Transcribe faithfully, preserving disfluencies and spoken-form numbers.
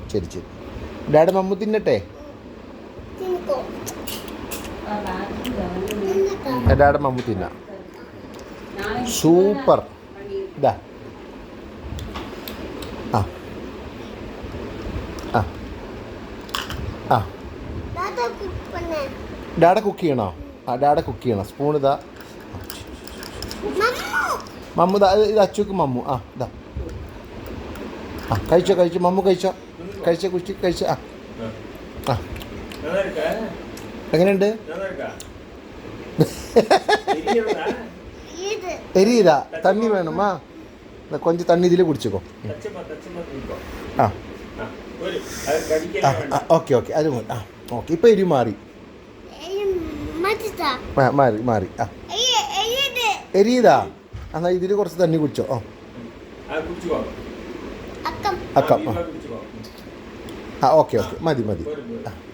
ശരി ശരി. ഡാഡി മമ്മു തിന്നട്ടെ? ഡാഡി മമ്മു തിന്ന. സൂപ്പർ. ഇതാ ആ ആ ആ ഡാഡ കുക്ക് ചെയ്യണോ? ആ ഡാഡ കുക്ക് ചെയ്യണം. സ്പൂൺ ഇതാ. മമ്മു ഇതാ, ഇത് അച്ചുക്ക് മമ്മു. ആ ഇതാ. ആ കഴിച്ചോ കഴിച്ചോ മമ്മു കഴിച്ചോ. കഴിച്ചോ കുച്ചി കഴിച്ചോ. ആ ആ എങ്ങനെയുണ്ട്? എരിയില്ല, തണ്ണി വേണം. ആ കൊഞ്ച് തണ്ണി ഇതിൽ കുടിച്ചോ. ആ ആ ഓക്കെ ഓക്കെ അത് മതി. ആ ഓക്കെ ഇപ്പം എരി മാറി മാറി മാറി. ആ എരിയതാ. എന്നാൽ ഇതിൽ കുറച്ച് തണ്ണി കുടിച്ചോ. ഓ അക്കം ആ ഓക്കെ ഓക്കെ മതി മതി. ആ